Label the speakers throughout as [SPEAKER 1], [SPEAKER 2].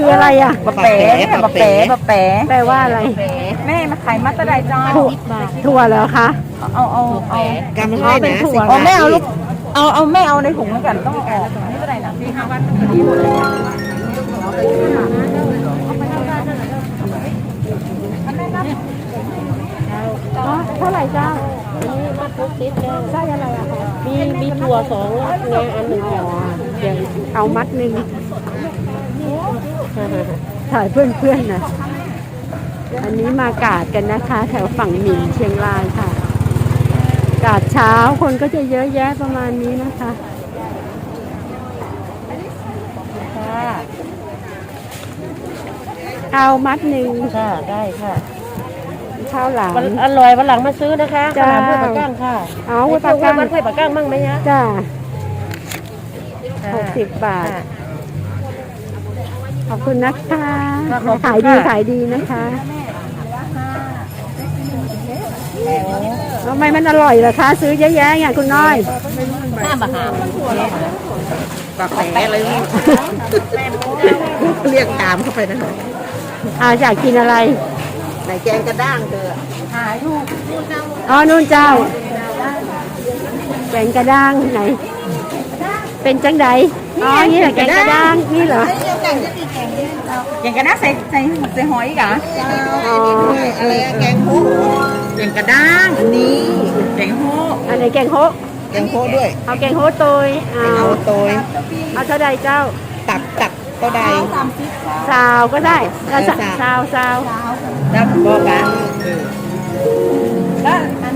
[SPEAKER 1] คืออะไรอ่ะ
[SPEAKER 2] บะเป๋บะเป๋บะเป๋
[SPEAKER 1] แปลว่าอะไร
[SPEAKER 2] แม่มาขายมัตตะไดจอ
[SPEAKER 1] ถั่วเหรอคะ
[SPEAKER 2] เอา
[SPEAKER 3] กำให้นะ
[SPEAKER 1] เป็นถั่ว
[SPEAKER 2] เอาแม่เอาลูกเอาแม่เอาในถุงแล้วกันต้องเอาออกนี่ก็ได้นะพี่5 วันนี้หมดเลย
[SPEAKER 1] เท่าไหร่เจ้า
[SPEAKER 4] นี่มัดทุกติดแล้ว
[SPEAKER 1] ไส้อะไรอะคะ
[SPEAKER 4] มีถั่ว2งาอันหนึ่งค่ะ
[SPEAKER 1] เดี๋ยวเอามัดหนึ่งถ่ายเพื่อนๆนะอันนี้มากาดกันนะคะ แถวฝั่งหมิ่นเชียงรายค่ะ กาดเช้าคนก็จะเยอะแยะประมาณนี้นะคะเอามัดหนึ่ง
[SPEAKER 4] ค่ะได้ค่ะ
[SPEAKER 1] ข้าวหลาม
[SPEAKER 4] อร่อยวันหลังมาซื้อนะคะ
[SPEAKER 1] จ้า
[SPEAKER 4] ขนาดห้วยปากก้างค่ะ
[SPEAKER 1] เอาห้วยปากก้าง
[SPEAKER 4] มันห้วยปากก้างมั่งไหมฮะ
[SPEAKER 1] จ้า
[SPEAKER 4] ค่ะ
[SPEAKER 1] 60 บาท
[SPEAKER 4] ค่ะ
[SPEAKER 1] ขอบคุณนะคะ
[SPEAKER 4] ค่ะขอบคุณ
[SPEAKER 1] ขายดี
[SPEAKER 4] ค่ะ
[SPEAKER 1] ขายดีนะคะทำไมมันอร่อยเหรอคะ ซื้อเยอะแยะอย่างคุณน้อย
[SPEAKER 4] 5 บาท
[SPEAKER 3] ปากแผลอะไรนี่เรียกตามเข้าไปนะ
[SPEAKER 1] อยากกินอะไร
[SPEAKER 3] ไหนแกงกระด้างเธอ
[SPEAKER 1] อ๋อนู่นเจ้า แกงกระด้างไหน เป็นจังใดอ๋อ นี่เหรอแกงกระด้าง นี่เหรอ
[SPEAKER 2] อย่างกันนะใส่หอยอีกเหรอ
[SPEAKER 1] อ๋อ
[SPEAKER 3] อะไรอะแกงโฮะ
[SPEAKER 2] อย่างกระด้างนี่แกงโฮ
[SPEAKER 1] อันไหนแกงโฮะ
[SPEAKER 3] แกงโฮะด้วย
[SPEAKER 1] เอาแกงโฮะโตยเอา
[SPEAKER 3] เอาโตย
[SPEAKER 1] เอาเท่าใดเจ้า
[SPEAKER 3] ตับก็ได้
[SPEAKER 1] ซาวก็ได้แล้ว
[SPEAKER 3] ซาว
[SPEAKER 1] ซาวซาว
[SPEAKER 2] แล้วบอกกันแล้วอัน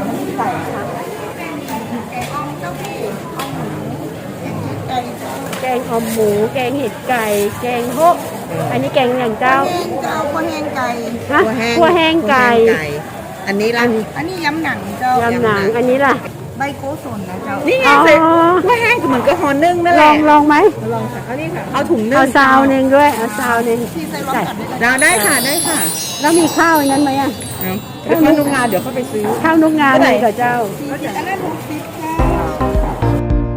[SPEAKER 1] แกงอ่อมหมู แกงเห็ดไก่ แกงโฮะอันนี้แกงอย่างเจ้า
[SPEAKER 2] เจ้าข้าวแห้งไก่
[SPEAKER 1] ฮะคั่วแห้งไก่
[SPEAKER 3] อันนี้ล่ะ
[SPEAKER 2] อันนี้ยำหนังเจ้าย
[SPEAKER 1] ำหนัง อันนี้ล่ะ
[SPEAKER 2] ใบโกสนนะเจ้านี่ไง
[SPEAKER 1] อ๋อ
[SPEAKER 2] ใส่ข้าวแห้งก็เหมือนกับห่อนึ่งนั่นแห
[SPEAKER 1] ลอ
[SPEAKER 2] ละ
[SPEAKER 1] งลองไหม
[SPEAKER 2] ลองค่ะเอานี่ค่ะเอาถุงนึ่ง
[SPEAKER 1] เอาซาวหนึ่งด้วย เอาซาวหนึ่งใส่
[SPEAKER 2] ได้ค่ะได้ค่ะ
[SPEAKER 1] แล้วมีข้าวอันนั้นไหมอ่ะ
[SPEAKER 2] เดี๋ยวเขาดูงานเดี๋ยวเขาไปซื้อ
[SPEAKER 1] ข้าวนุกงานเลยกับเจ้า
[SPEAKER 2] อันนั้น60ค่ะ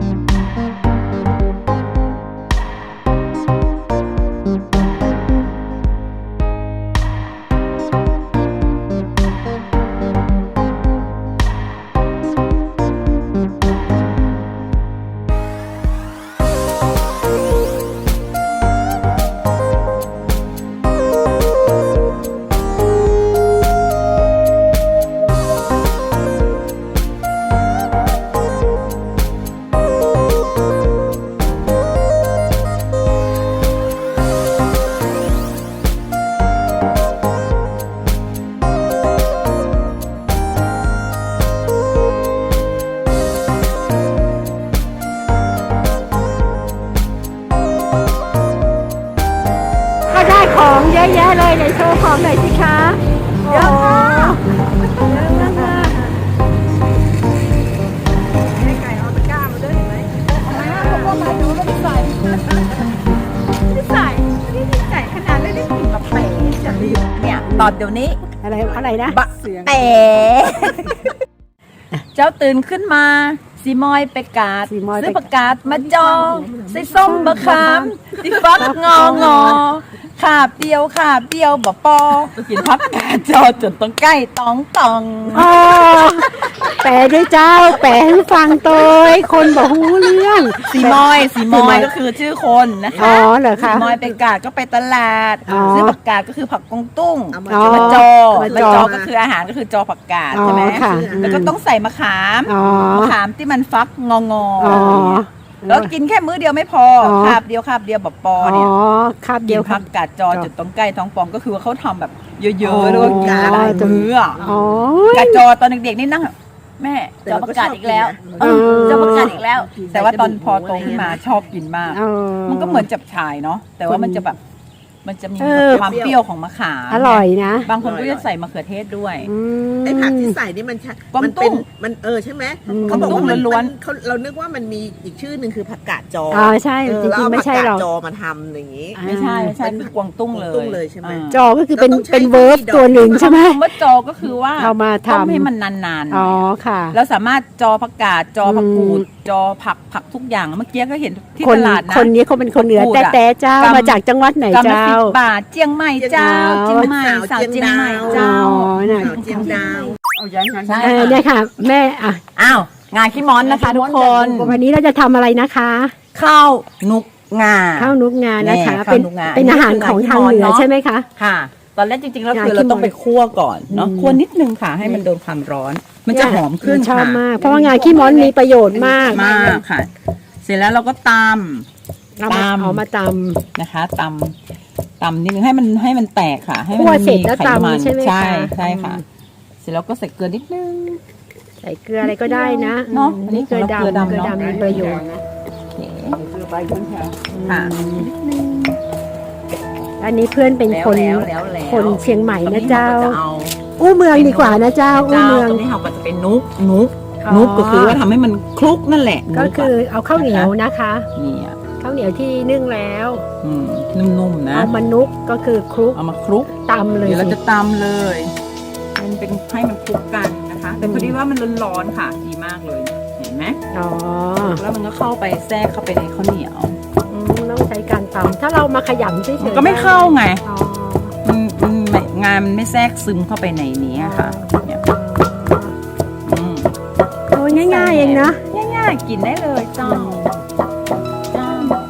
[SPEAKER 1] ก็ได้ของเยอะแยะเลยเดี๋ยวโชว์ของหน่อยสิคะเยอะมากเยอะมาก
[SPEAKER 2] ไก่เอาตะกร้ามาด้วยเห็นไหมเอามาพวกมาดูไม่ได้ใส่ไม่ได้ใส่ไม่ได้ใส่ขนาดไม่ได้กินแบบเป๋จะดีเนี่ยตอนเดี๋ยวนี้
[SPEAKER 1] อะไรนะ
[SPEAKER 2] บะเป๋เจ้าตื่นขึ้นมาสีมอยไปกาด
[SPEAKER 1] สีมอยไป
[SPEAKER 2] ซื้อประกาศมาจองใส่ส้มบะขามติฟักงอขาบเดียวบะปอกินพับกาดจอจนต้องใกล้ตอง
[SPEAKER 1] อ๋อแปลด้วยเจ้า แปลให้ฟังโตยคนบอกหูเรื่อง
[SPEAKER 2] สีมอยก็คือชื่อคนนะคะ
[SPEAKER 1] อ๋อเหรอคะ
[SPEAKER 2] สีมอยไปกาดก็ไปตลาด
[SPEAKER 1] อ๋อ
[SPEAKER 2] ซื้อผักกาดก็คือผักกงตุ้ง
[SPEAKER 1] อ๋อ
[SPEAKER 2] มาจอ
[SPEAKER 1] มา
[SPEAKER 2] มา
[SPEAKER 1] จอ
[SPEAKER 2] จอก็คืออาหารก็คือจอผักกาด
[SPEAKER 1] อ๋อ
[SPEAKER 2] ใช่ไหม
[SPEAKER 1] ค่ะ
[SPEAKER 2] แล้วก็ต้องใส่มะขาม
[SPEAKER 1] อ๋อ
[SPEAKER 2] มะขามที่มันฟักงอ
[SPEAKER 1] อ๋อ
[SPEAKER 2] แล้วกินแค่มื้อเดียวไม่พอ
[SPEAKER 1] อ๋อ
[SPEAKER 2] คาบเดียวแบบปอเนี่ย
[SPEAKER 1] ครับ
[SPEAKER 2] กิ
[SPEAKER 1] เดีย
[SPEAKER 2] น
[SPEAKER 1] วค
[SPEAKER 2] ผั
[SPEAKER 1] รับ
[SPEAKER 2] กกาดจอจุดตรงใกล้ท้องป่องก็คือว่าเขาทำแบบเย
[SPEAKER 1] อ๋
[SPEAKER 2] อะ
[SPEAKER 1] อ
[SPEAKER 2] ๆแล้วก็กินหลายมื้ออะ
[SPEAKER 1] อ๋อ
[SPEAKER 2] กาดจอตอนเด็กๆนี่นั่งแบบแม่จอผักกาดอีกแล้วจอผักกาดอีกแล้ว แต่ว่าตอนพอโตขึ้นมาชอบกินมาก
[SPEAKER 1] อ๋อ
[SPEAKER 2] มันก็เหมือนจับฉ่ายเนาะแต่ว่ามันจะแบบมันจะมี
[SPEAKER 1] เออ
[SPEAKER 2] ความเปรี้ยวของมะขาม
[SPEAKER 1] อร่อยนะ
[SPEAKER 2] บางคนก็จะใส่มะเขือเทศด้วย
[SPEAKER 1] อืม
[SPEAKER 3] ไอ้ผักที่ใส่นี่มัน
[SPEAKER 2] กวาง
[SPEAKER 3] มัน
[SPEAKER 2] ตุ้
[SPEAKER 3] เป็น
[SPEAKER 2] ง
[SPEAKER 3] มันใช่ไหม
[SPEAKER 1] อืม
[SPEAKER 3] เขาบอกว่ามัน
[SPEAKER 2] ล้วนๆ
[SPEAKER 3] มันเขาเรานึกว่ามันมีอีกชื่อหนึ่งคือผักกาดจอ
[SPEAKER 1] อ๋อใช่
[SPEAKER 3] เออ
[SPEAKER 1] จริงๆ
[SPEAKER 3] แล้วเอา
[SPEAKER 1] ไม่
[SPEAKER 3] ผัก
[SPEAKER 1] ใช่
[SPEAKER 3] กาด
[SPEAKER 1] หรอก
[SPEAKER 3] จอมาทำอย่างนี้
[SPEAKER 2] ไม่ใช่คือกวางตุ้งเลย
[SPEAKER 3] กวางตุ้งเลยใช่ไหม
[SPEAKER 2] อ่า
[SPEAKER 1] จอก็คือเป็น
[SPEAKER 3] เราต้องใช้
[SPEAKER 1] เป็นเวิร์บ
[SPEAKER 3] ที่ดอก
[SPEAKER 1] ตัวหนึ่งใช่ไหม
[SPEAKER 2] คำว่าจอก็คือว่า
[SPEAKER 1] เอามาทำ
[SPEAKER 2] ต้มให้มันนานๆ
[SPEAKER 1] อ๋อค่ะ
[SPEAKER 2] แล้วสามารถจอผักกาดจอผักกูดจอผักทุกอย่างเมื่อกี้ก็เห็นที่
[SPEAKER 1] คน
[SPEAKER 2] ตลาดนะ
[SPEAKER 1] คนนี้เขาเป็นคนเหนือ
[SPEAKER 2] พูด
[SPEAKER 1] แต่
[SPEAKER 2] อะ
[SPEAKER 1] แต่เจ้าก
[SPEAKER 2] ำ
[SPEAKER 1] มาจากจังหวัดไหน
[SPEAKER 2] กำละ
[SPEAKER 1] เจ้า
[SPEAKER 2] 10 บาทเจียงใหม่เจ้า
[SPEAKER 1] อ๋อ
[SPEAKER 2] เจียงใหม่สาวเจียงใหม่เจ้า
[SPEAKER 1] อ๋อน่ะ
[SPEAKER 3] สาวเจียงดาว
[SPEAKER 2] ใช่
[SPEAKER 1] เนี่ยค่ะ แม่อ่ะ
[SPEAKER 2] อ้าวงานขี้ม้อนนะคะทุกคน
[SPEAKER 1] วันนี้เราจะทำอะไรนะคะ
[SPEAKER 2] ข้าวนุกงา
[SPEAKER 1] ข้าวนุกงานะคะ
[SPEAKER 2] แน่
[SPEAKER 1] เป็น
[SPEAKER 2] ข้าวนุกงา
[SPEAKER 1] เป็นอาหารของทางเหนือ
[SPEAKER 2] เนาะ
[SPEAKER 1] ใช่ไหมคะ
[SPEAKER 2] ค่ะ ตอนแรกจริงๆแล้ว
[SPEAKER 1] งา
[SPEAKER 2] คือเราต้อง
[SPEAKER 1] ขี้ม้อน
[SPEAKER 2] ไปคั่วก่อนเนาะ
[SPEAKER 1] อืม
[SPEAKER 2] คั่วนิดนึงค่ะ ให้มันโดนความร้อน มันจะหอมขึ้น
[SPEAKER 1] ชอบ
[SPEAKER 2] ค่ะ
[SPEAKER 1] มาก เพราะว่างาขี้ม้อนมีประโยชน์มาก
[SPEAKER 2] มากค่ะ เสร็จแล้วเราก็ต
[SPEAKER 1] เอามาเอามาต
[SPEAKER 2] ำนะคะตำนิดนึงให้มันแตกค่ะ ให้มั
[SPEAKER 1] คั่วเสร็จแล้ว
[SPEAKER 2] ไขมัน
[SPEAKER 1] ตำใช่ไหมคะ
[SPEAKER 2] ใช่ค่ะ เสร็จแล้วก็ใส่เกลือนิดนึง
[SPEAKER 1] ำใส่เกลืออะไรก็ได้นะ
[SPEAKER 2] เนอะ
[SPEAKER 1] อันนี้เกลือ
[SPEAKER 2] เกลือ
[SPEAKER 1] ดำ
[SPEAKER 2] ดำ
[SPEAKER 1] เกลือ
[SPEAKER 2] เนอะ
[SPEAKER 1] ดำมีประโยชน์
[SPEAKER 2] โอเคค่ะ
[SPEAKER 1] อันนี้เพื่อนเป็นคน
[SPEAKER 2] แล้ว
[SPEAKER 1] คนเชียงใหม่นะเจ้า
[SPEAKER 2] ตอนนี้รก็จะเอา
[SPEAKER 1] อู้เมืองดีกว่านะเจ้าอู้
[SPEAKER 2] เจ้า
[SPEAKER 1] เมือง
[SPEAKER 2] ตรงนี้เราก็จะเป็นนุก
[SPEAKER 1] อ๋อ
[SPEAKER 2] นุกก็คือว่าทำให้มันคลุกนั่นแหละ
[SPEAKER 1] ก็
[SPEAKER 2] นุะ
[SPEAKER 1] คือเอาข้าวเหนียวนะคะ
[SPEAKER 2] เนี่ย
[SPEAKER 1] ข้าวเหนียวที่นึ่งแล้ว
[SPEAKER 2] นุ่มๆนะ
[SPEAKER 1] เอามานุกก็คือคลุก
[SPEAKER 2] เอามาคลุก
[SPEAKER 1] ตำเลย
[SPEAKER 2] เดี๋ยวเรา
[SPEAKER 1] สิ
[SPEAKER 2] จะตำเลยมันเป็นให้มันคลุกกันนะคะ แต่พอดีว่ามันร้อนๆค่ะ ดีมากเลย เห็นไหม
[SPEAKER 1] อ๋อ
[SPEAKER 2] แล้วมันก็เข้าไปแทรกเข้าไปในข้าวเหนียว
[SPEAKER 1] ต้องใช้การตำถ้าเรามาขยำเฉย
[SPEAKER 2] มัน
[SPEAKER 1] ๆ
[SPEAKER 2] ก็ไม่เข้าไง
[SPEAKER 1] อ๋อ
[SPEAKER 2] งานมันไม่แทรกซึมเข้าไปในนี้ค่ะเนี่ยอืม
[SPEAKER 1] โอ้ยง่ายๆเองนะ
[SPEAKER 2] ง่ายๆกินได้เลยจ้าจ้า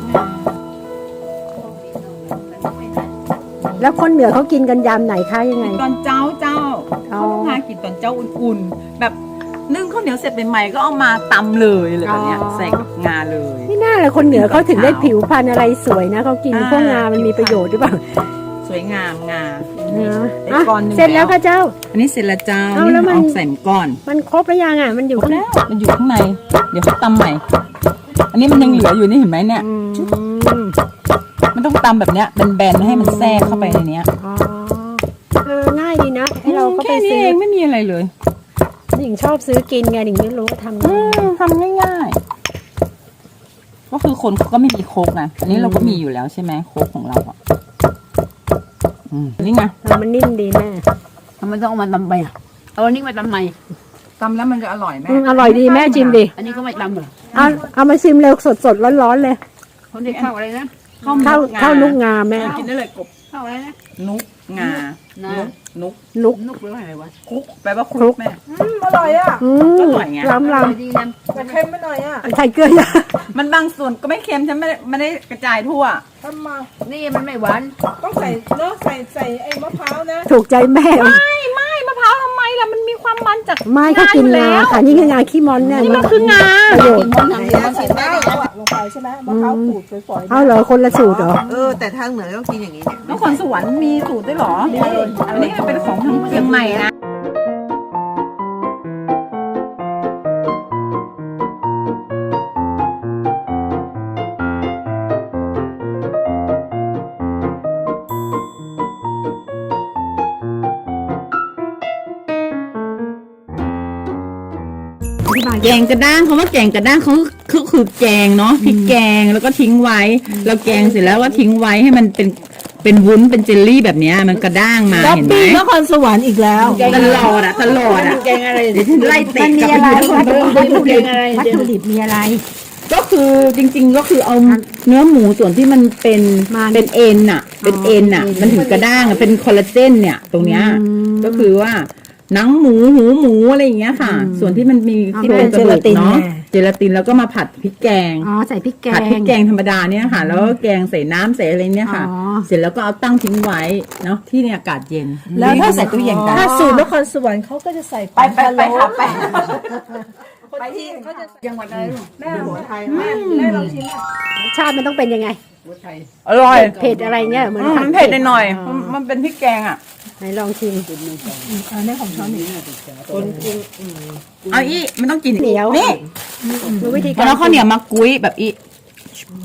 [SPEAKER 1] แล้วคนเหนือเขากินกันยามไหนคะยังไง
[SPEAKER 2] ตอนเจ้า
[SPEAKER 1] อ๋อ
[SPEAKER 2] เขาพากินตอนเจ้าอุ่นๆ แบบนึ่งข้าวเหนียวเสร็จใหม่ๆก็เอามาตำเลยอะไรแบบเนี้ยใส่กับงาเลย
[SPEAKER 1] นี่น่าเลยคนเหนือเขาถึงได้ผิวพรรณอะไรสวยนะเขากินพวกงามันมีประโยชน์หรือเปล่า
[SPEAKER 2] สวยงามงา
[SPEAKER 1] เนอะ
[SPEAKER 2] ได้
[SPEAKER 1] อ่ะ
[SPEAKER 2] ก้อนหนึ่ง
[SPEAKER 1] เสร็จแล้วค่ะเจ้า
[SPEAKER 2] อันนี้เสร็จแล้วเจ้า
[SPEAKER 1] เอาแล้วมัน
[SPEAKER 2] ออกใส่ก้อน
[SPEAKER 1] มันครบแล้วยังอ่ะมันอยู่
[SPEAKER 2] ครบ
[SPEAKER 1] ข้าง
[SPEAKER 2] แล้วมันอยู่ข้างใน เดี๋ยวเขาตำใหม่ อันนี้มันยังเหลืออยู่นี่เห็นไหมเนี่ย
[SPEAKER 1] อืม
[SPEAKER 2] มันต้องตำแบบเนี้ยแบนๆให้มันแทรกเข้าไปในเนี้ย
[SPEAKER 1] อ๋อง่ายดีนะให้เราก็ไป
[SPEAKER 2] แค่นี้
[SPEAKER 1] ซื้อ
[SPEAKER 2] เองไม่มีอะไรเลย
[SPEAKER 1] หญิงชอบซื้อกินไงหญิงไม่รู้ว่าทำยังไง
[SPEAKER 2] ทำง่ายๆก็คือคนเขาก็ไม่มีโคกนะอันนี้เราก็มีอยู่แล้วใช่ไหมโคกของเราอ่ะนี่ไง
[SPEAKER 1] มันนิ่มดีแม่
[SPEAKER 4] ทำไมต้องเอามาตำไปอ่ะเอาอันนี้มาตำใหม่
[SPEAKER 2] ตำแล้วมันจะอร่อยไหม
[SPEAKER 1] อร่อยดีแม่ชิมดิ
[SPEAKER 4] อันนี้ก็ไม่ตำเหรอ
[SPEAKER 1] เอามาชิมเร็วสดๆร้อนๆเลย
[SPEAKER 4] คนที่ข้าวอะไรนะ
[SPEAKER 1] ข้าวนุกงาแม่
[SPEAKER 2] กินได้เลยกบ
[SPEAKER 4] ข้าวอะไรนะ
[SPEAKER 2] นุกงา
[SPEAKER 4] นะ
[SPEAKER 2] นุก
[SPEAKER 1] นุก
[SPEAKER 4] นุกหรือว่าอะไรวะ
[SPEAKER 2] คลุกแปลว่าค
[SPEAKER 1] คลุ
[SPEAKER 2] ลุ
[SPEAKER 1] ก
[SPEAKER 2] กแม่
[SPEAKER 3] อร่อยอ่ะ
[SPEAKER 1] อืม
[SPEAKER 2] อร่อยไง
[SPEAKER 1] ล้ำ
[SPEAKER 4] อร่อยดีนะ
[SPEAKER 3] แต่เค็มไปหน่อยอ่ะ
[SPEAKER 1] ใส่เกลือเยอะ
[SPEAKER 2] มันบางส่วนก็ไม่เค็มฉันไม่ได้กระจายทั่ว
[SPEAKER 3] ทำมา
[SPEAKER 4] นี่มันไม่หวาน
[SPEAKER 3] ต้องใส่เนาะใส่ไอ้มะพร้าวนะ
[SPEAKER 1] ถูกใจแม่
[SPEAKER 2] ไม่มะพร้าวทำไมล่ะมันมีความมันจาก
[SPEAKER 1] ไม่ก็กินงาค่ะนี่คืองาขี้มอนเนี่ย
[SPEAKER 2] นี่มันคืองา
[SPEAKER 1] ประโยช
[SPEAKER 4] กิ
[SPEAKER 1] น์
[SPEAKER 4] นมันทำ
[SPEAKER 3] ใส่
[SPEAKER 4] มัน
[SPEAKER 3] ใส่ได้ลงไปใช่ไหมมะพร้าวขูดฝอยๆ
[SPEAKER 1] เอาเหรอคนละสูตรเหรอ
[SPEAKER 3] แต่ทางเหนือต้องกินอย่างนี้เนี่ย
[SPEAKER 2] นครสวรรค์มีสูตรด้วยเหรออันนี้เป็นของทางเชียงใหม่นะ แกงกระด้างเขาว่าแกงกระด้างเขาคือแกงเนาะพริกแกงแล้วก็ทิ้งไว้แล้วแกงเสร็จแล้วก็ทิ้งไว้ให้มันเป็นวุ้นเป็นเจลลี่แบบเนี้ยมันกระด้างมาเห็นไหม
[SPEAKER 3] นครสวรรค์อีกแล้ว
[SPEAKER 2] ตลอดอ่ะ
[SPEAKER 4] แกงอะไร
[SPEAKER 2] เดี๋ยวฉันไล่เตะ
[SPEAKER 1] มันมี
[SPEAKER 2] กลับ
[SPEAKER 1] อะไร
[SPEAKER 2] ไปดู
[SPEAKER 1] วัตถุดิบมีอะไร
[SPEAKER 2] ก็คือจริงๆก็คือเอาเนื้อหมูส่วนที่มันเป็น
[SPEAKER 1] มัน
[SPEAKER 2] เป็นเอ็นอ่ะ เป็นเอ็นอ่ะ มันถึงกระด้างอะเป็นคอลลาเจนเนี่ยตรงเนี้ย
[SPEAKER 1] อืม
[SPEAKER 2] ก็คือว่าหนังหมูหูหมูอะไรอย่างเงี้ยค่ะ ส่วนที่มันมีที่
[SPEAKER 1] เป็
[SPEAKER 2] เป็น
[SPEAKER 1] น
[SPEAKER 2] กระดูก
[SPEAKER 1] เจลาติน
[SPEAKER 2] เนาะ
[SPEAKER 1] แน่
[SPEAKER 2] เจลาตินแล้วก็มาผัดพริกแกง
[SPEAKER 1] อ๋อใส่พริกแก
[SPEAKER 2] ผัดพริ
[SPEAKER 1] ง
[SPEAKER 2] กแกงธรรมดาเนี่ยค่ะ แล้วก็แกงใส่น้ำใส่อะไรเนี่ยค่ะ
[SPEAKER 1] อ๋อ
[SPEAKER 2] เสร็จแล้วก็เอาตั้งทิ้งไว้เนาะที่ในอากาศเย็น
[SPEAKER 3] แล้วถ้า
[SPEAKER 2] ใส่ตู้เย็นกัน
[SPEAKER 3] ถ้าสูตรนครสวรรค์เขาก็จะใส่
[SPEAKER 2] ไปค่ะไป
[SPEAKER 3] ไปที่เขาจะ
[SPEAKER 4] จังหวัดอะไรลูก
[SPEAKER 3] แม่หัวไทยแม่ลองชิม
[SPEAKER 1] รสชาติมันต้องเป็นยังไง
[SPEAKER 2] อร่อย
[SPEAKER 1] เผ็ดอะไรเงี้ยเหมือน
[SPEAKER 2] มันเผ็ดหน่อยๆมันเป็นพริกแกงอ่ะ
[SPEAKER 1] ไหนลองชิม
[SPEAKER 3] คนกิน
[SPEAKER 2] เอาอีมันต้องกิน
[SPEAKER 1] เหนียว
[SPEAKER 2] นี่
[SPEAKER 1] ดูวิธีกา
[SPEAKER 2] แล้
[SPEAKER 1] ร
[SPEAKER 2] วข้าวเหนียวมากุ้ยแบบอี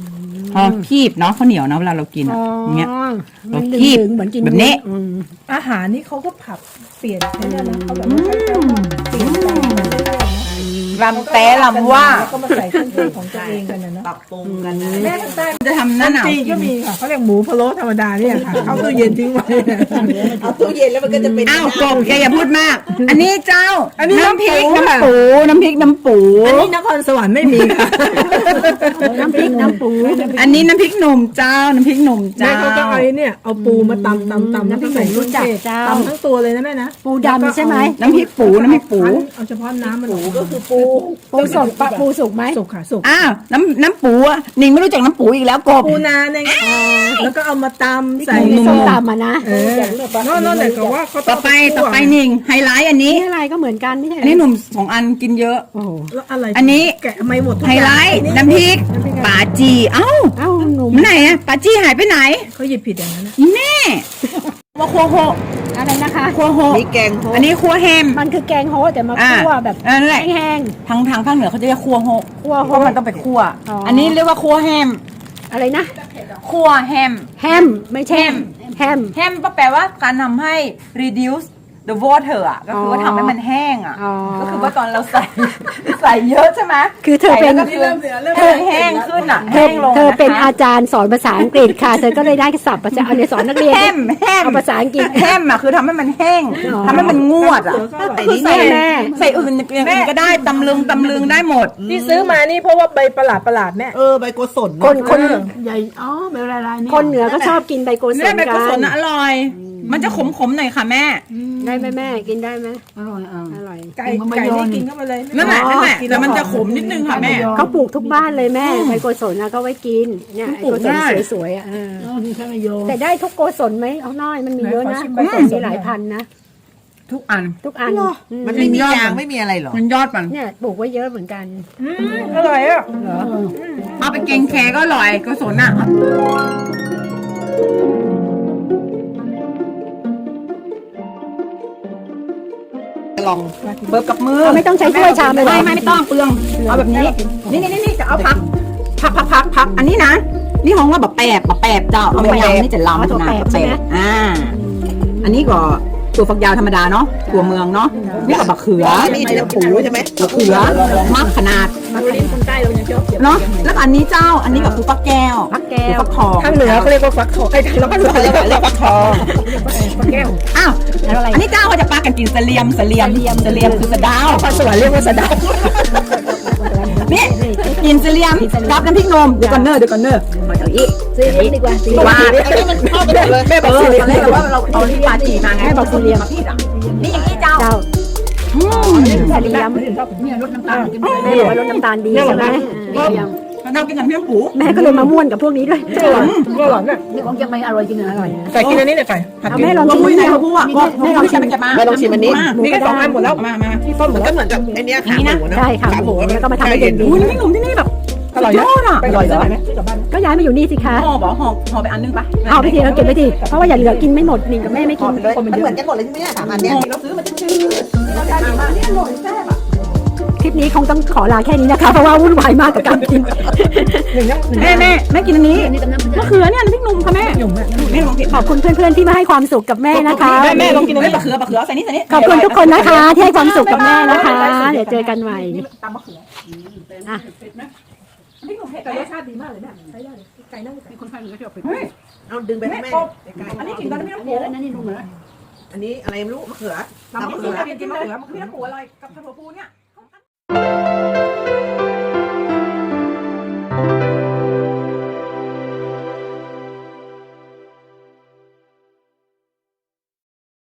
[SPEAKER 2] พอคีบเนาะข้าวเหนียวเนาะเวลาเรากินอะอย่างเงี้ย
[SPEAKER 1] มัน
[SPEAKER 2] เราคีบ
[SPEAKER 1] ดึงๆเหมือนกิน
[SPEAKER 2] แบบนี้
[SPEAKER 1] อืม
[SPEAKER 3] อาหารนี่เขาก็ผับเปลี่ยนไปเรื่อยๆนะเขาแบบว่าค่อยๆเปลี่ยนแปลงไปเรื่อยๆนะ
[SPEAKER 2] ลำแต่ลำว่า
[SPEAKER 3] แล้วก็มาใส่เครื่องเทศของตัวเองกันนะเนาะ
[SPEAKER 5] ปรับปรุงกันนะ
[SPEAKER 3] แม่ทางใต้
[SPEAKER 2] จะทำหน้าหนาว
[SPEAKER 3] จีนก็มีค่ะเขาเรียกหมูพะโล้ธรรมดาเนี่ยค่ะเข้าตู้เย็นทิ้งไว้
[SPEAKER 5] เอาตู้เย็นแล้วมันก็จะเป็น
[SPEAKER 2] อ้าวกบแกอย่าพูดมาก อันนี้เจ้า
[SPEAKER 3] อันนี้
[SPEAKER 2] น้ำพริก
[SPEAKER 3] น้ำ
[SPEAKER 2] น้ำ
[SPEAKER 3] ปู
[SPEAKER 2] ปูน้ำพริกน้ำปู
[SPEAKER 3] อันนี้นครสวรรค์ไม่มีค่ะ
[SPEAKER 1] น้ำพริกน้ำปู
[SPEAKER 2] อันนี้น้ำพริกหนุ่มเจ้า น้ำพริกหนุ่ม
[SPEAKER 3] แม่
[SPEAKER 2] เจ้า
[SPEAKER 3] เขาก็เอาไอ้เนี่ยเอาปูมาตำแล้วก็ใส่เครื่องเทศตำทั้งตัวเลยนะแม่นะ
[SPEAKER 1] ปูดำใช่ไหม
[SPEAKER 2] น้ำพริกปูน้ำพริกปู
[SPEAKER 3] เอาเฉพาะน้ำมัน
[SPEAKER 5] ปูก็คือปู
[SPEAKER 1] ปูสดปะปูสุกไหม
[SPEAKER 3] สุกค่ะสุก
[SPEAKER 2] อ้าวน้ำปูอ่ะนิงไม่รู้จักน้ำปูอีกแล้วกบ
[SPEAKER 3] ปูนาเนี่ยแล้วก็เอามาตำใส่
[SPEAKER 1] ใส่ส้มตำอ่ะนะ
[SPEAKER 3] นั่นแหละก็ว่าเขา
[SPEAKER 2] ต่อไปนิงไฮไลท์อันนี้
[SPEAKER 1] นี่อะไรก็เหมือนกันไม่ใช่
[SPEAKER 2] อันนี้หนุ่ม2 อันกินเยอะ
[SPEAKER 1] โอ้โห
[SPEAKER 3] แล้วอะไร
[SPEAKER 2] อันนี้
[SPEAKER 3] แกะไม่หมดทุก
[SPEAKER 2] ไฮ
[SPEAKER 3] อย่าง
[SPEAKER 2] ไลท์น้ำพริกป่าจีเอ้า
[SPEAKER 1] เอ้าหนุ่ม
[SPEAKER 2] ไหนอะป่าจีหายไปไหน
[SPEAKER 3] เขาหยิบผิดอย่างนั้นนะ
[SPEAKER 2] แม่ว่าครัวโฮ
[SPEAKER 1] อะไรนะคะ
[SPEAKER 2] ครัวโฮ
[SPEAKER 5] มีแกงโฮ
[SPEAKER 2] อันนี้ครัวแฮม
[SPEAKER 1] มันคือแกงโฮะแต่มาคั่วแบบ
[SPEAKER 2] นั่นแหละ
[SPEAKER 1] แห้ง
[SPEAKER 2] ทางภาคเหนือเขาจะเรียกครัวโฮ
[SPEAKER 1] ๆคั่วโฮ
[SPEAKER 2] เพราะมันต้องไปคั่ว
[SPEAKER 1] อ๋ออั
[SPEAKER 2] อันนี้เรียกว่าครัวแฮม
[SPEAKER 1] อะไรนะ
[SPEAKER 2] ครัวแฮม
[SPEAKER 1] แฮมไม่ใช่แฮม
[SPEAKER 2] แฮมก็แปลว่าการทำให้ reduce the water อ่ะก็คือว่าทำให้มันแห้งอ่ะ
[SPEAKER 1] อ๋อ
[SPEAKER 2] ก็คือว่าตอนเราใส่ ใส่เยอะใช่ไหม
[SPEAKER 1] คือเธอเป็น
[SPEAKER 2] ใส่แล้วก็คือแห้งขึ้นอ่ะ
[SPEAKER 1] เธ
[SPEAKER 2] แห้
[SPEAKER 1] อง
[SPEAKER 2] ลง
[SPEAKER 1] เธอเป็น
[SPEAKER 2] นะคะ
[SPEAKER 1] อาจารย์สอนภาษาอังกฤษค่ะ เธอก็เลยได้ศัพท์ภาษาเอาเนี่ยสอนนักเรียน
[SPEAKER 2] แฮม
[SPEAKER 1] เอาภาษาอังกฤษ
[SPEAKER 2] แฮมอ่ะคือทำให้มันแห้ง
[SPEAKER 1] อ๋อ
[SPEAKER 2] ทำให้มันงวดอ่ะ คือใส่
[SPEAKER 1] แม่
[SPEAKER 2] ใส่อื่นอย่างอื่นก็ได้ตำลึงได้หมด
[SPEAKER 3] ที่ซื้อมานี่เพราะว่าใบประหลาดแม่
[SPEAKER 5] ใบโกศล
[SPEAKER 1] คน
[SPEAKER 4] ใหญ่อ๋อเป็นลายๆนี่
[SPEAKER 1] คนเหนือก็ชอบกินใบโกศ
[SPEAKER 2] แม่
[SPEAKER 1] ล
[SPEAKER 2] ใบ
[SPEAKER 1] กั
[SPEAKER 2] กุศล
[SPEAKER 1] น
[SPEAKER 2] น่ะอร่อย มันจะขมๆหน่อยค่ะแม่
[SPEAKER 1] ได้ไหมแม่กินได้ไหม
[SPEAKER 4] อร่อยอ่ะ
[SPEAKER 1] อร่อย
[SPEAKER 3] ไก่นี่กินเข้าไปเลย
[SPEAKER 2] นั่นแหละแต่มันจะขมนิดนึงค่ะแม่
[SPEAKER 1] เขาปลูกทุกบ้านเลยแม่ใบโกศลนะก็ไว้กินเนี่ยไอ้โกศลสวยๆอ่ะ
[SPEAKER 4] อ๋อนี่แค่ไม่โยน
[SPEAKER 1] แต่ได้ทุกโกศลไหมเอาน้อยมันมีเยอะนะมีหลายพันนะ
[SPEAKER 2] ทุกอัน
[SPEAKER 1] ทุกอัน
[SPEAKER 5] มันไม่มียางไม่มีอะไรหรอ
[SPEAKER 2] มันยอดมัน
[SPEAKER 1] เนี่ยปลูกไว้เยอะเหมือนกัน
[SPEAKER 3] อร่อยอ่ะ
[SPEAKER 2] เอาไปเกงแคก็อร่อยกุศลอ่ะ
[SPEAKER 5] ลอง
[SPEAKER 2] เบิบกับมือ
[SPEAKER 1] ไม่ต้องใช้ถ้วยชามเลยเหรอ
[SPEAKER 2] ไม่ต้องเปลืองเอาแบบนี้นี่จะเอาพักอันนี้นะนี่ห้องว่าแบบแปบเจ้าเอาไปยำนี่จะล้ำนะอันนี้ก็ตัวฝักยาวธรรมดาเนาะตัวเมืองเนาะนี่ก็บักเขือ
[SPEAKER 5] นี่จะปูใช่ไหม
[SPEAKER 2] บักเขือมากขนาด
[SPEAKER 3] คนใต้เรายังชอบเก็บ
[SPEAKER 2] เนาะแล้วก็อันนี้เจ้าอันนี้ก็คือฟักแก้ว
[SPEAKER 1] ฟักแก้ว
[SPEAKER 2] ฟักทอง
[SPEAKER 3] ทางเหนือเขาเรียกว่าฟักทองไอ้ทางภาคเหนือเรียกว่าฟักทองฟักแก้ว
[SPEAKER 2] อ้าวอันนี้เจ้าเขาจะปากันกินเสลียมคือสะดาว
[SPEAKER 3] ภาคสวรรค์เรียกว่าสะเดา
[SPEAKER 2] นี่กินเสลียมรับน้ำพริกนมเดี๋ยวก่อนเนอมาเอาอีก
[SPEAKER 1] ซื้อเลี้ยงดีกว่าซื้อ
[SPEAKER 2] ว่า
[SPEAKER 5] มันเข้าไปเลย
[SPEAKER 3] แม่บอก
[SPEAKER 2] ต
[SPEAKER 3] สิ
[SPEAKER 2] อนแรกเราว่าเราเอาที่ปาจีมาไงบอกเสลียมนี่อย่างนี้เจ้า
[SPEAKER 1] เจ้าเสลียม
[SPEAKER 4] เนี่ยรสน้ำตาลกิน
[SPEAKER 1] แม่บอกว่าลดน้ำตาลดีใช่ไหมเสลียม
[SPEAKER 2] เรากินกับเพื่อนปู
[SPEAKER 1] แม่ก็เลยมาม่วนกับพวกนี้ด้วย
[SPEAKER 3] อร่อยอร่อยแม่
[SPEAKER 4] นี่ของเชียงใหม่อร่อยจริงอร่อย
[SPEAKER 3] ไก่กินอันนี้เลยไก่ผัด
[SPEAKER 1] เอา
[SPEAKER 3] กิน
[SPEAKER 1] แม่ลองชิม
[SPEAKER 2] คุย
[SPEAKER 1] นี่
[SPEAKER 2] ในเขาพูดอ่ะแม่ลองชิมไปมา
[SPEAKER 5] ไม่ต้องชิมอันนี้
[SPEAKER 3] นี่ก็สองอันหมดแล้ว
[SPEAKER 2] มา
[SPEAKER 3] ที่ต้มหม
[SPEAKER 5] มั
[SPEAKER 3] ด
[SPEAKER 5] น
[SPEAKER 3] ก็
[SPEAKER 5] ก็เหมือนกับไอ้นี้ขาหมูนะ
[SPEAKER 1] ใช่ค่ะหมูแล้วก็มาทำให้เย็น
[SPEAKER 2] อุ้ยนี่ขนมที่นี่แบบ
[SPEAKER 3] อร่อย
[SPEAKER 2] ยอดอ่ะ
[SPEAKER 3] ไปกับบ้านไหมกับบ้าน
[SPEAKER 1] ๆก็ย้ายมาอยู่นี่สิคะ
[SPEAKER 2] ห่อไปอันนึงปะ
[SPEAKER 1] เอาไปทีเราเก็บไปทีเพราะว่าอย่าเหลือกินไม่หมดนิงกับแม่ไม่กิน
[SPEAKER 5] มันเหมือนกันหมดเลยใช่ไหมเนี่ย3 อันเนี้ยเราซื้อมาชื่อ
[SPEAKER 1] คลิปนี้คงต้องขอลาแค่นี้นะคะ เพราะว่าวุ่นวายมากกับการกิน
[SPEAKER 2] แม่กินอันนี้
[SPEAKER 4] นี่ตำน้ำ
[SPEAKER 2] มะเขือเนี่ยน้ำพริกนุ่มค่ะแม่แม่ลองกิน
[SPEAKER 1] ขอบคุณเพื่อนๆที่มาให้ความสุขกับแม่นะคะ
[SPEAKER 3] แม่ลองกินอันนี้
[SPEAKER 2] มะเขือใส่นี่
[SPEAKER 1] ขอบคุณทุกคนนะคะ ที่ให้ความสุขกับแม่นะคะ เดี๋ยวเจอกันใหม่
[SPEAKER 2] ตำมะเขือ
[SPEAKER 1] อ่ะ
[SPEAKER 2] พริกหนุ่มเผ็ด
[SPEAKER 3] ไก่รสชาติดีมากเลยแม่ใช้ได้เลยไก่นั่ง
[SPEAKER 4] มีคนไทยเหนือชอบเป็ด
[SPEAKER 5] เอาดึงไปให้แม่
[SPEAKER 2] อันนี้กินตอนนี้
[SPEAKER 4] อันนี้แล้วนั่นนี่นุ่มเลย
[SPEAKER 5] อันนี้อะไรไม่รู้มะเขือ
[SPEAKER 2] ตำมะเขือกินมะเขือมะเขือปูอร่อยกับถั่วพูเนี่ย